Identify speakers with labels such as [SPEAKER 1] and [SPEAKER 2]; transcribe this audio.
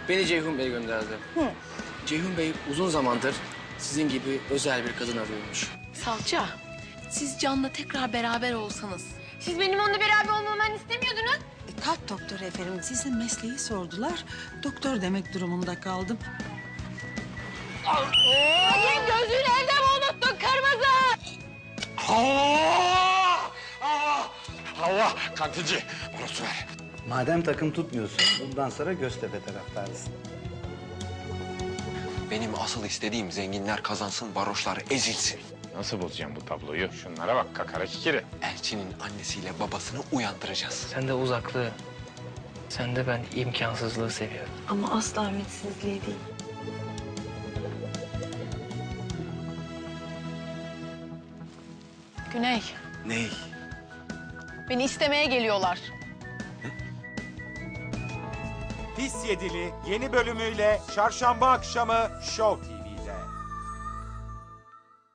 [SPEAKER 1] Beni Ceyhun Bey gönderdi. Ceyhun Bey uzun zamandır sizin gibi özel bir kadın arıyormuş.
[SPEAKER 2] Salça, siz Can'la tekrar beraber olsanız.
[SPEAKER 3] Siz benim onunla beraber olmamı istemiyordunuz.
[SPEAKER 4] Kalp doktoru efendim, sizin mesleği sordular. Doktor demek durumunda kaldım.
[SPEAKER 3] Bakayım gözlüğünü evde mi unuttun kırmızı?
[SPEAKER 5] Allah! Allah! Allah! Kantinci, bana su ver.
[SPEAKER 6] Madem takım tutmuyorsun, bundan sonra Göztepe taraftarısın.
[SPEAKER 7] Benim asıl istediğim zenginler kazansın, varoşlar ezilsin.
[SPEAKER 5] Nasıl bozacağım bu tabloyu? Şunlara bak, kakara kikiri.
[SPEAKER 7] Elçinin annesiyle babasını uyandıracağız.
[SPEAKER 1] Sen de uzaklığı, sen de ben imkansızlığı seviyorum.
[SPEAKER 2] Ama asla ümitsizliği değil. Güney,
[SPEAKER 6] Ney?
[SPEAKER 2] beni istemeye geliyorlar.
[SPEAKER 8] Pis Yedili yeni bölümüyle çarşamba akşamı Show TV'de.